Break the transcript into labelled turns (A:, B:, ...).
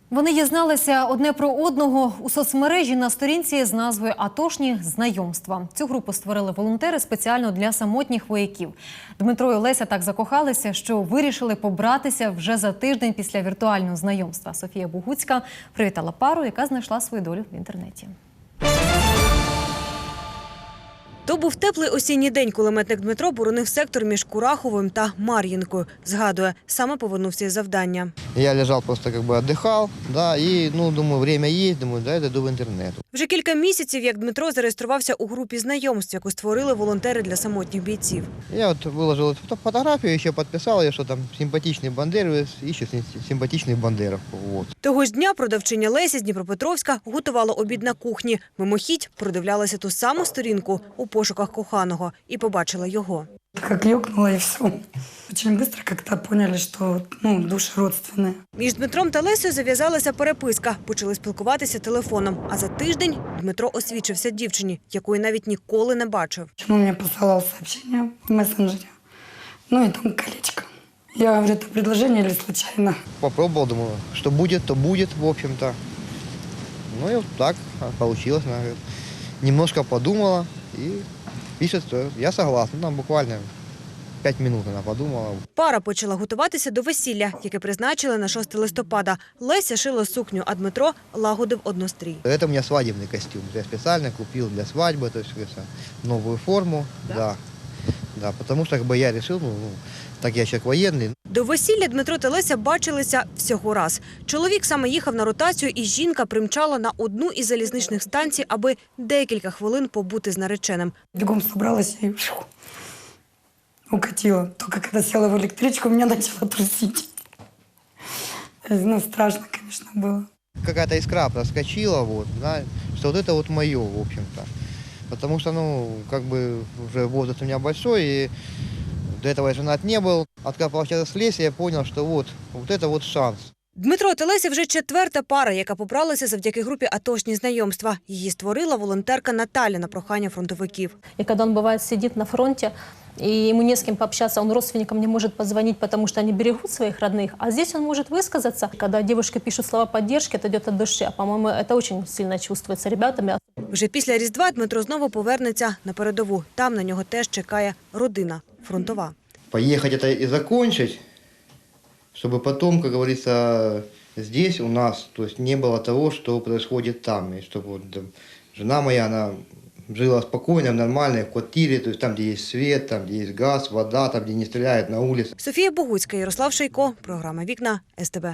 A: Вони дізналися одне про одного у соцмережі на сторінці з назвою «Атошні знайомства». Цю групу створили волонтери спеціально для самотніх вояків. Дмитро і Олеся так закохалися, що вирішили побратися вже за тиждень після віртуального знайомства. Софія Бугуцька привітала пару, яка знайшла свою долю в інтернеті.
B: То був теплий осінній день. Кулеметник Дмитро боронив сектор між Кураховим та Мар'їнкою. Згадує, саме повернувся із завдання.
C: Я лежав, просто віддихав, і думаю, время є, думаю, йду в інтернет.
B: Вже кілька місяців, як Дмитро зареєструвався у групі знайомств, яку створили волонтери для самотніх бійців.
C: Я виложив фотографію, ще підписав, що там симпатичний бандер, і ще симпатичний бандеров.
B: Того ж дня продавчиня Леся з Дніпропетровська готувала обід на кухні. Мимохідь продивлялася ту саму сторінку у пошуках коханого і побачила його.
D: Как ёкнуло и все. Очень быстро как-то поняли, что души родственные.
B: Між Дмитром та Лесею зав'язалася переписка. Почали спілкуватися телефоном. А за тиждень Дмитро освічився дівчині, якої навіть ніколи не бачив.
D: Он мне посылал сообщение в мессенджере. И там колечко. Я говорю, это предложение или случайно?
C: Попробовал, думаю, что будет, то будет, в общем-то. И вот так получилось. Она говорит, немножко подумала и пишет, что я согласна. Там буквально 5 минут вона подумала.
B: Пара почала готуватися до весілля, яке призначили на 6 листопада. Леся шила сукню, а Дмитро лагодив однострій.
C: Это у меня свадебный костюм. Я специально купил для свадьбы, то есть новую форму. Да, потому что я решил, так я человек военный.
B: До весілля Дмитро та Леся бачилися всього раз. Чоловік саме їхав на ротацію, і жінка примчала на одну із залізничних станцій, аби декілька хвилин побути з нареченим.
D: Бегом собралась и укатила. Только когда села в электричку, меня начало трусить. Страшно, конечно, было.
C: Какая-то искра проскочила, что это мое, в общем-то. Потому что, уже возраст у меня большой, и до этого я женат не был. Откопался с Лесей, я понял, что вот это шанс.
B: Дмитро та Леся вже четверта пара, яка побралася завдяки групі «Атошні знайомства». Її створила волонтерка Наталя на прохання фронтовиків.
E: И когда он, бывает, сидит на фронте, и ему не с кем пообщаться, он родственникам не может позвонить, потому что они берегут своих родных, а здесь он может высказаться. Когда девушка пишет слова поддержки, это идет от души. По-моему, это очень сильно чувствуется ребятами.
B: Вже після Різдва Дмитро знову повернеться на передову. Там на нього теж чекає родина фронтова.
C: Поехать это и закончить, чтобы потом, как говорится, здесь у нас, то есть не было того, что происходит там. И чтобы жена моя, она жила спокойно, в нормальной квартире, то есть там, где есть свет, там, где есть газ, вода, там, где не стреляют на улице.
B: Софія Бугуцька, Ярослав Шейко. Програма «Вікна» СТБ.